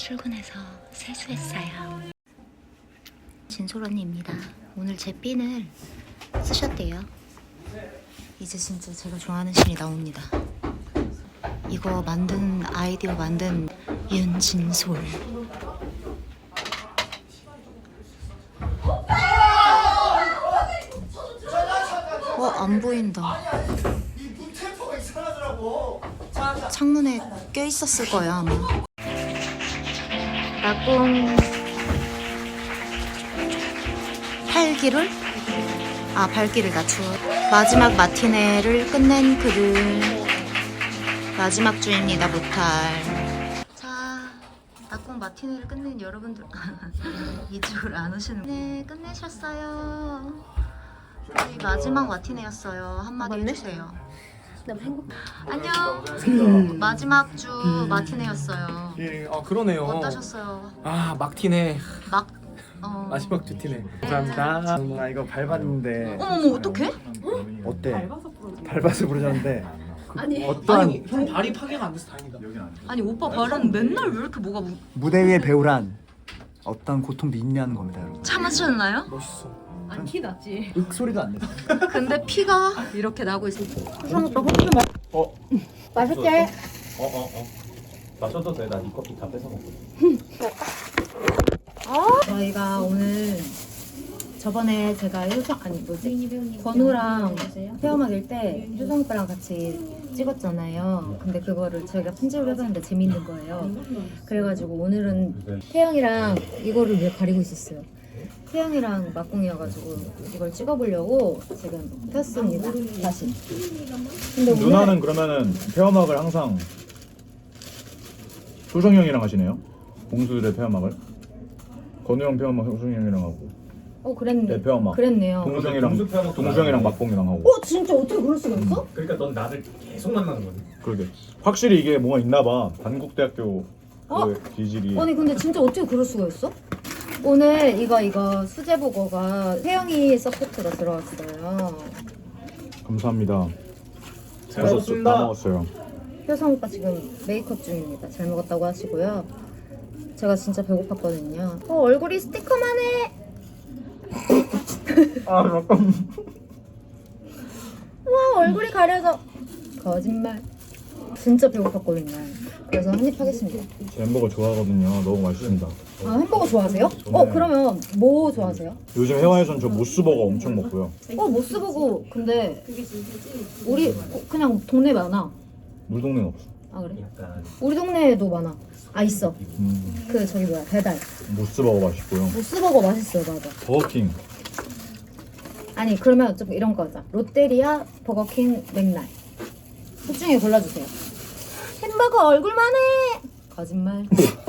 출근해서 세수했어요. 진솔 언니입니다. 오늘 제 핀을 쓰셨대요. 이제 진짜 제가 좋아하는 신이 나옵니다. 이거 만든 아이디어 만든 윤진솔. 안 보인다. 창문에 껴 있었을 거야 아마. 낙공 8기를? 발기를 낮추어. 마지막 마티네를 끝낸 그들. 마지막 주입니다 무탈. 자, 낙공 마티네를 끝낸 여러분들. 이쪽으로 안 오시는. 네, 끝내셨어요. 저희 마지막 마티네였어요. 한마디 해주세요. 너무 행복. 안녕. 마지막 주 마티네였어요. 예, 그러네요. 어떠셨어요? 막티네. 마지막 주 티네. 감사합니다. 나 이거 밟았는데 어머 어떡해? 어때? 밟아서 부르셨는데 아니 어떠한 형 발이 파괴가 안 돼서 다행이다. 아니 오빠 발은 맨날 왜 이렇게 뭐가 무대 위의 배우란 어떤 고통도 있냐는 겁니다, 여러분. 참으셨나요? 멋있어. 안 티 났지. 윽 소리도 안 내. 근데 피가 이렇게 나고 있어. 맛있지? 마셔도 돼. 나 이 커피 다 뺏어 먹거든. 저희가 오늘 저번에 제가 건우랑 태어막일 때 효성 오빠랑 같이 찍었잖아요. 근데 그거를 저희가 편집을 해봤는데 재밌는 거예요. 그래가지고 오늘은 태영이랑 이거를 왜 가리고 있었어요. 태영이랑 막공이어가지고 이걸 찍어보려고 지금 켰습니다. 다시. 근데 오늘 누나는 그러면은 폐화막을 항상 효성이 형이랑 하시네요? 공수들의 폐화막을? 건우 형 폐화막 효성이 형이랑 하고 그랬네. 내 폐화막 그랬네요. 동수 형이랑 막공이랑 하고. 진짜 어떻게 그럴 수가 있어? 그러니까 넌 나를 계속 만나는 거네. 그러게 확실히 이게 뭐가 있나봐. 단국대학교 그 기질이. 아니 근데 진짜 어떻게 그럴 수가 있어? 오늘 이거 수제버거가 태영이 서포트가 들어왔어요. 감사합니다. 잘 먹었습니다. 다 먹었어요. 효성 오빠 지금 메이크업 중입니다. 잘 먹었다고 하시고요. 제가 진짜 배고팠거든요. 얼굴이 스티커만 해. 잠깐. 와 얼굴이 가려져. 거짓말. 진짜 배고팠거든요. 그래서 한입 하겠습니다. 제 햄버거 좋아하거든요. 너무 맛있습니다. 햄버거 좋아하세요? 그러면 뭐 좋아하세요? 요즘 해화에선 저 모스버거 엄청 먹고요. 모스버거 근데 우리 그냥 동네 많아. 우리 동네는 없어. 그래? 우리 동네에도 많아. 있어. 음, 그 저기 뭐야 배달. 모스버거 맛있고요. 모스버거 맛있어요. 맞아. 버거킹. 아니 그러면 좀 이런 거 하자. 롯데리아, 버거킹, 맥날. 그 중에 골라주세요. 햄버거 얼굴만 해. 거짓말.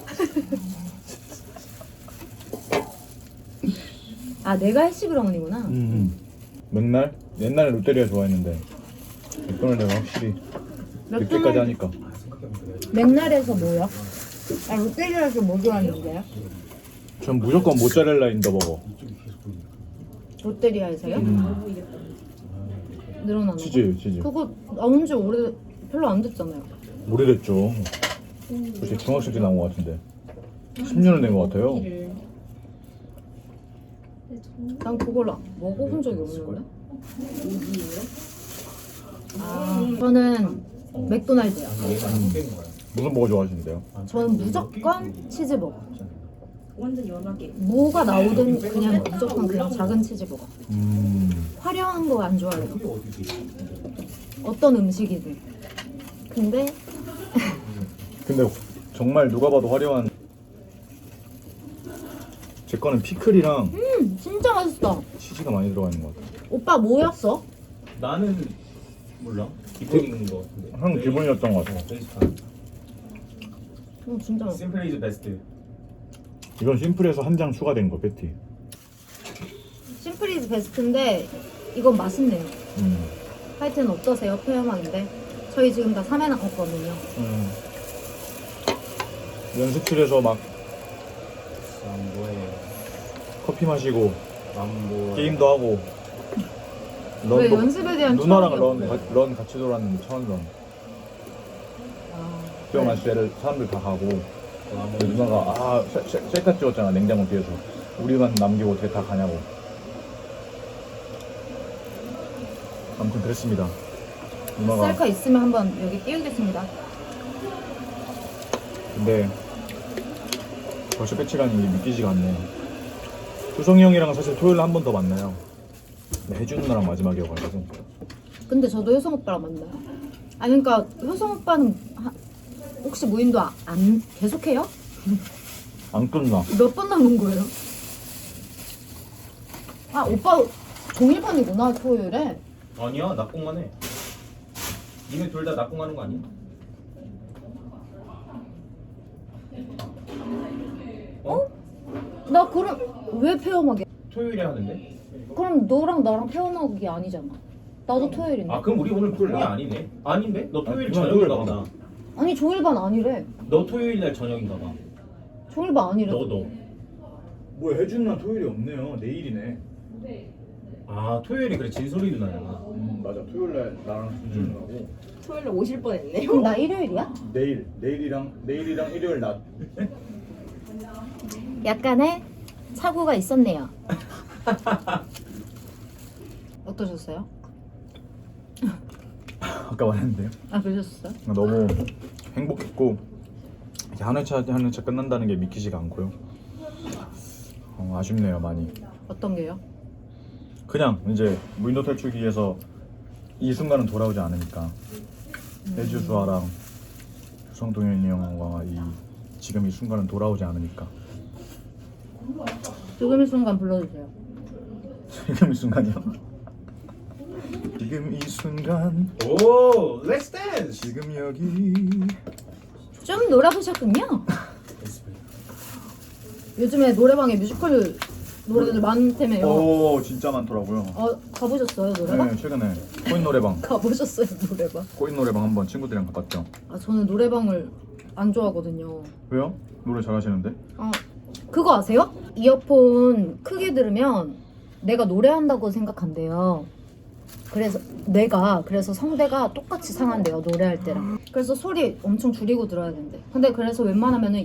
내가 해시브라운이구나. 맥날? 옛날에 롯데리아 좋아했는데 이번에 내가 확실히 늦게까지 하니까. 맥날에서 뭐요? 롯데리아에서 뭐 좋아하는데요? 전 무조건 모짜렐라 인더버거. 롯데리아에서요? 늘어나는 거? 치즈. 그거 나온 지 별로 안 됐잖아요. 오래됐죠. 글쎄 중학생 때 나온 것 같은데 10년을 된 것 같아요. 난 그걸 먹어본 적이 없는데? 저는 맥도날드요. 무슨 버거 좋아하시는데요? 저는 무조건 치즈버거. 완전 연하게. 뭐가 나오든 그냥 무조건 그냥 작은 치즈버거. 화려한 거 안 좋아해요. 어떤 음식이든. 근데 정말 누가 봐도 화려한. 제 거는 피클이랑 진짜 맛있어. 치즈가 많이 들어가 있는 것 같아요. 오빠 뭐였어? 나는 몰라. 기본인 거 같은데. 한 기본이었던 것 같아요. 베이스판. 진짜 맛있어. 심플 이즈 베스트. 이건 심플해서 한 장 추가된 거 패티. 심플이즈 베스트인데 이건 맛있네요. 음. 하여튼 어떠세요? 폐염악인데 저희 지금 다 3회 나갔거든요. 연습실에서 막 뭐해? 커피 마시고 뭐 게임도 하고. 왜 연습에 대한 누나랑 추억이 없어요? 런 같이 돌았는데 처음 런. 수영 마실 때를 사람들 다 가고 그 누나가 셀카 찍었잖아 냉장고 뒤에서. 우리만 남기고 어떻게 다 가냐고. 아무튼 그랬습니다. 누나가. 셀카 있으면 한번 여기 띄우겠습니다. 근데 벌써 끝이라는 게 믿기지가 않네. 수성이 형이랑 사실 토요일에 한 번 더 만나요. 근데 혜준 누나랑 마지막이어가지고. 근데 저도 효성 오빠랑 만나요. 아니 그러니까 효성 오빠는 혹시 무인도 안 계속해요? 안 끝나. 몇 번 남은 거예요? 아 오빠 종일반이구나 토요일에. 아니야 낙공만 해. 니네 둘 다 낙공하는 거 아니야? 어? 나 그럼 왜 페어막이야? 토요일에 하는데? 그럼 너랑 나랑 페어막이 아니잖아. 나도 토요일인데. 아 그럼 우리 오늘 토요일이 아니네. 아닌데? 너 토요일 아니, 저녁인가 토요일 보다. 아니 종일반 아니래. 너 토요일 날 저녁인가 봐. 종일반 아니래. 너. 뭐야 혜준 누나 토요일이 없네요. 내일이네. 아 토요일이 그래 진솔이 누나야. 맞아. 토요일날 나랑 준준 누나고. 토요일에 오실 뻔했네요. 그럼 나 일요일이야? 내일이랑 일요일 낮. 약간의 사고가 있었네요. 어떠셨어요? 아까 말했는데요. 아 그러셨어요? 너무 행복했고 이렇게 한 회차 끝난다는 게 믿기지가 않고요. 아쉽네요 많이. 어떤 게요? 그냥 이제 무인도 탈출기에서 이 순간은 돌아오지 않으니까 해주수아랑 성동현이 형과 지금 이 순간은 돌아오지 않으니까. 지금 이 순간 불러주세요. 지금 이 순간이요? 지금 이 순간 오, 렛츠 댄스. 지금 여기. 좀 놀아보셨군요. 요즘에 노래방에 뮤지컬 노래들 많다며요. 오 진짜 많더라고요. 가보셨어요 노래방? 네 최근에 코인 노래방 가보셨어요 노래방? 코인 노래방 한번 친구들이랑 가봤죠. 아 저는 노래방을 안 좋아하거든요. 왜요? 노래 잘하시는데? 아 그거 아세요? 이어폰 크게 들으면 내가 노래한다고 생각한대요. 그래서 성대가 똑같이 상한대요 노래할 때랑. 그래서 소리 엄청 줄이고 들어야 된대. 근데 그래서 웬만하면은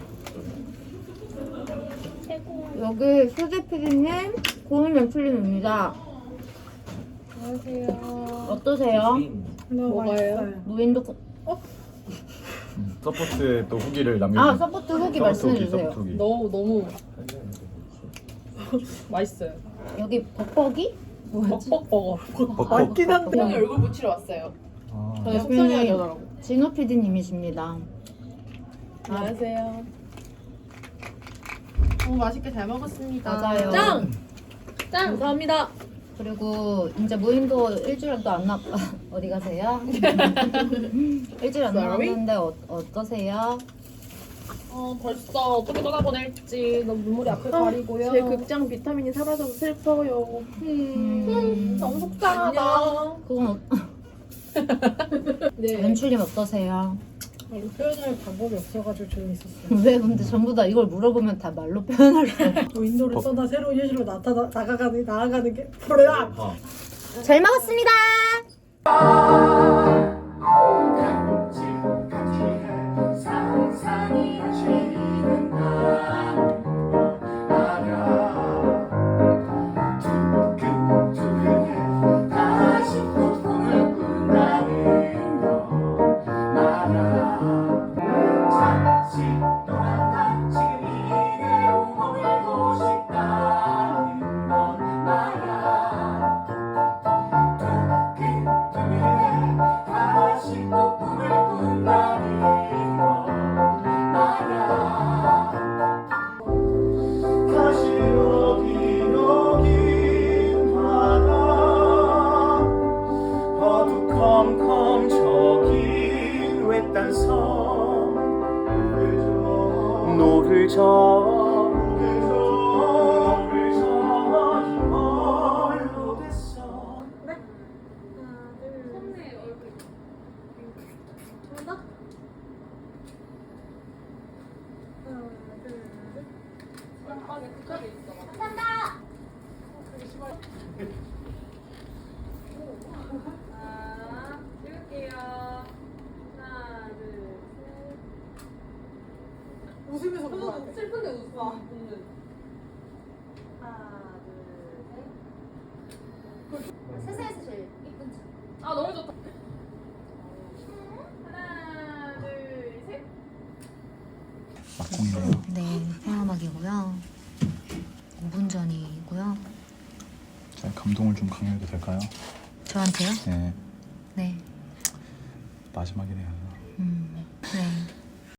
여기 수지 PD님, 고은 연출님입니다. 안녕하세요. 어떠세요? 뭐가요? 무인도 서포트에 또 후기를 남겨주세요. 서포트 후기 말씀해주세요. 서포트 후기. 너무 맛있어요. 여기 벅벅이? 뻑뻑버거. 맞긴 한데 얼굴 붙이러 왔어요. 아, 저는 속상해 하더라고. 진호 PD님이십니다. 안녕하세요. 너무 맛있게 잘 먹었습니다. 맞아요. 짱! 감사합니다. 그리고 이제 무인도 일주일도 안 남... 어디 가세요? 일주일 안 Sorry? 남았는데 어떠세요? 벌써 어떻게 떠나보낼지 너무 눈물이 앞을 가리고요. 제 극장 비타민이 사라져서 슬퍼요. 너무 속상하다. 그건 네. 연출님 어떠세요? 표현할 방법이 없어가지고 조용히 있었어요. 왜 근데 전부 다 이걸 물어보면 다 말로 표현할 수 없어. 윈도를 떠나 새로운 현실로 나아가는 게 뭐야? 아, 잘 먹었습니다. 어두컴컴 저기 외딴 섬 노를 저 이걸로 됐어. 찍을게요. 하나, 둘, 셋. 웃으면서 울어야 돼. 슬픈데 웃어. 웃는. 하나, 둘, 셋. 세상에서 제일 이쁜 척. 아 너무 좋다. 하나, 둘, 셋. 막공이네요. 네, 태화막이고요. 5분 전이고요. 자, 감동을 좀 강요해도 될까요? 저한테요? 네, 네. 마지막이네요. 네.